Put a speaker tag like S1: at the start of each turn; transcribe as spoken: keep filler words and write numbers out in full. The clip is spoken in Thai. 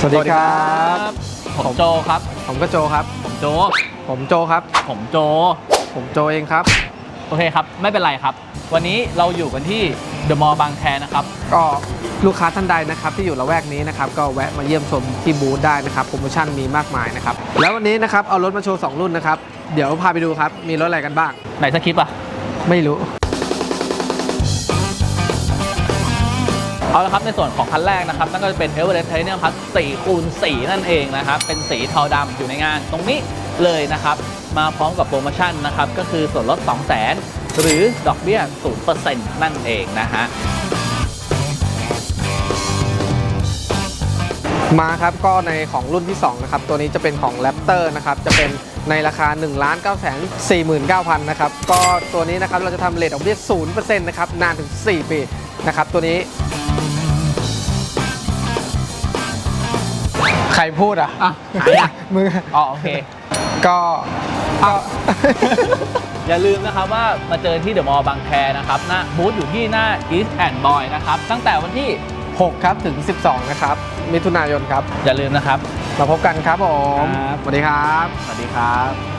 S1: วัสดีครับ
S2: ผมโจครับ
S1: ผมก็โจครับ
S2: ผมโจ
S1: ผมโจครับ
S2: ผมโจ
S1: ผมโจเองครับ
S2: โอเคครับ ไม่เป็นไรครับ วันนี้เราอยู่กันที่เดอะมอลล์บางแคนะครับ
S1: ก็ลูกค้าท่านใดนะครับที่อยู่ละแวกนี้นะครับก็แวะมาเยี่ยมชมที่บูธได้นะครับโปรโมชั่นมีมากมายนะครับแล้ววันนี้นะครับเอารถมาโชว์สองรุ่นนะครับเดี๋ยวพาไปดูครับมีรถอะไรกันบ้าง
S2: ไหนสคริปต์อ่ะ
S1: ไม่รู้
S2: เอาละครับในส่วนของคันแรกนะครับนั่นก็จะเป็น Everest Titanium Plus สี่คูณสี่นั่นเองนะครับเป็นสีเทาดำอยู่ในงานตรงนี้เลยนะครับมาพร้อมกับโปรโมชั่นนะครับก็คือส่วนลด สองแสน หรือดอกเบี้ย ศูนย์เปอร์เซ็นต์ นั่นเองนะฮะ
S1: มาครับก็ในของรุ่นที่สองนะครับตัวนี้จะเป็นของ Raptor นะครับจะเป็นในราคา หนึ่งล้านเก้าแสนสี่หมื่นเก้าพัน นะครับก็ตัวนี้นะครับเราจะทำเรทดอกเบี้ย ศูนย์เปอร์เซ็นต์ นะครับนานถึงสี่ปีนะครับตัวนี้ใครพูดอ่ะ
S2: อ่ะใครอ่ะ
S1: มือ
S2: อ๋อโอเค
S1: ก็ก็
S2: อย่าลืมนะครับว่ามาเจอที่เดอะมอลล์บางแคนะครับหน้าบูธอยู่ที่หน้า East and Boy นะครับตั้งแต่วันที่
S1: หกครับถึงสิบสองนะครับมิถุนายนครับ
S2: อย่าลืมนะครับ
S1: มาพบกันครับผม
S2: ครับ
S1: สวัสดีครับ
S2: สวัสดีครับ